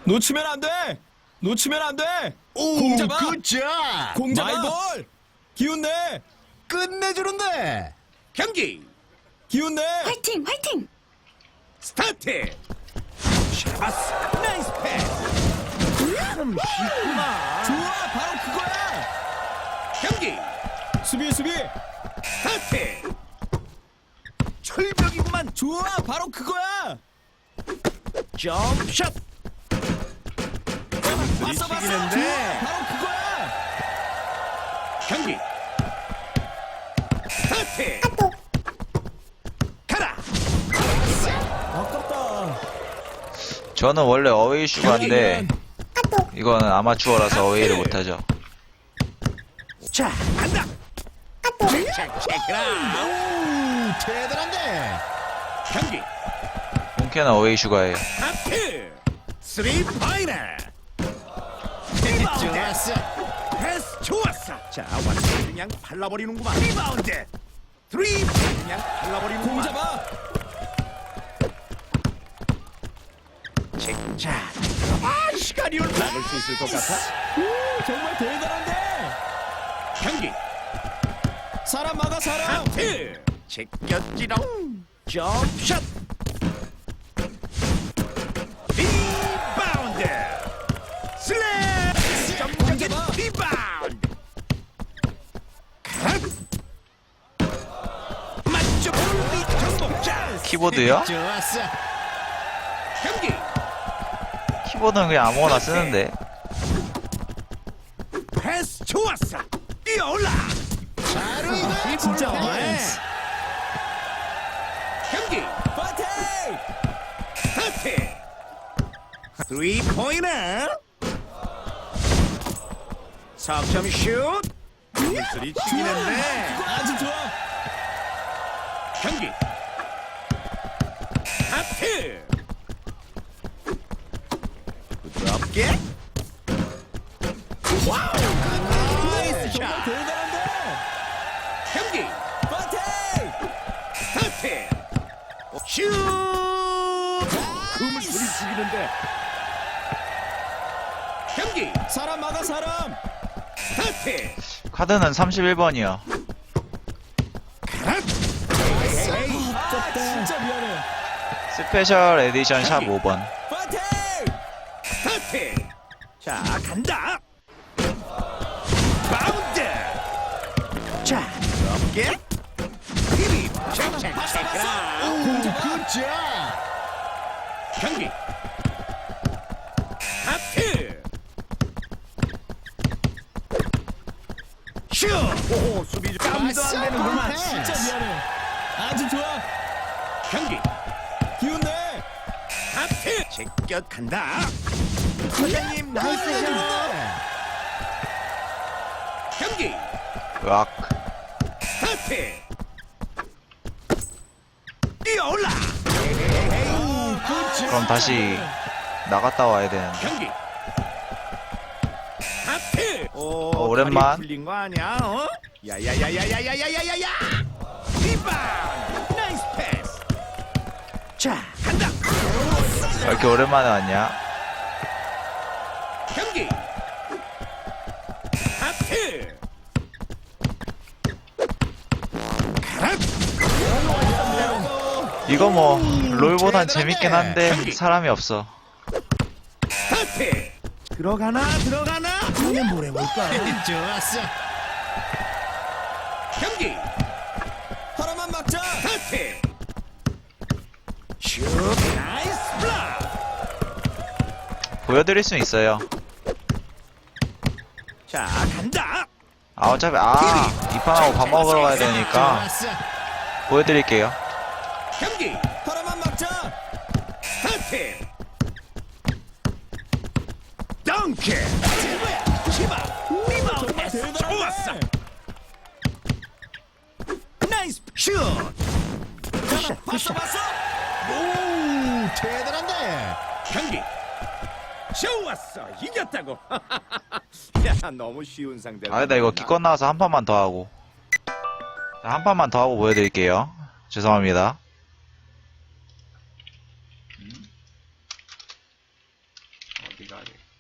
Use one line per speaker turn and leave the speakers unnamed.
놓치면 안 돼! 놓치면 안 돼!
오,
공 잡아!
굿잡!
공 잡아! 마이볼! 기운 내!
끝내주는데!
경기
기운 내!
화이팅! 화이팅!
스타트. 샤바스 나이스 패스. 참 쉽구나.
좋아! 바로 그거야!
경기
수비!
스타트. 철벽이구만.
좋아! 바로 그거야!
점샷.
봤어!
들이치기는데.
좋아! 바로 그거야!
경기 스타트. 가라.
아깝다.
저는 원래 어웨이 슈가인데 이거는 아마추어라서 어웨이를 못하죠.
자 간다. 자 체크라.
오, 대단한데!
경기
본캐는 어웨이 슈가예요.
스타트. 쓰리 파이널.
좋았어!
패스 좋았어. 자 완전 그냥 발라버리는구만. 리바운드. 쓰리 그냥
공
발라버리는구만.
잡아!
자, 아 시간이 얼마 막을 수 있을 것 같아.
정말 대단한데!
경기
사람 막아, 사람!
하트 제꼈지롱. 점샷. 리바운드. 슬랩. 점적인
잡아.
리바운드. 컷. 맞죠? 볼비 정복자.
키보드요?
좋았어!
경기
키보드는 그냥 아무거나 쓰는데.
패스 좋았어. 뛰어올라.
바로 이거야!
진짜
패스.
경기
파이팅!
스타트. 3포인트. 석점 슛. 물소리 치기는데.
아주 좋아!
경기 하트. 부드럽게. 와우. 나이스
정말
샷.
대단한데!
경기
파이팅!
스타트. 슛. 그 물소리 치기는데. 경기
사람 막아, 사람!
스타트.
카드는 31번이요.
아, 진짜 미안해.
스페셜 에디션 샵 5번.
파이팅!
스타트. 자 간다. 바운드. 자 부드럽게. 힘이 착착착라.
오, 굿잡!
경기 하트. 슛. 오 수비 깜도 안 되는구만.
패스.
진짜 미안해. 아주 좋아!
경기
기운 내!
하트. 제껴 간다. 사장님 나이스 샷. 경기
으악.
스타트. 뛰어올라.
그럼 다시 나갔다 와야 되는데.
경기 하트. 오,
오랜만.
다리 풀린 거 아니야? 어? 야야야야야야야야야야. 리바운드. 나이스 패스. 자 간다.
왜 이렇게 오랜만에 왔냐?
경기 하트. 가라.
이거 뭐 롤보단
대단하네.
재밌긴 한데 사람이 없어.
스타트. 들어가나 들어가나. 오늘 뭘 해볼까?
좋았어!
경기
하나만 막자!
스타트. 슛. 나이스 블락.
보여드릴 수 있어요.
자 간다.
아 어차피 이판하고 밥 먹으러 가야 되니까
좋았어!
보여드릴게요.
경기
하나만 막자!
스타트. 덩크. 제발 치마. 리바운드.
정말
패스 좋았어.
대단해!
나이스 슛.
봤어!
오, 대단한데!
경기 좋았어. 이겼다고. 야 너무 쉬운 상대.
아, 나 이거 기껏 나와서 한 판만 더 하고. 자, 한 판만 더 하고 보여드릴게요. 죄송합니다.
어디?
비가 아직.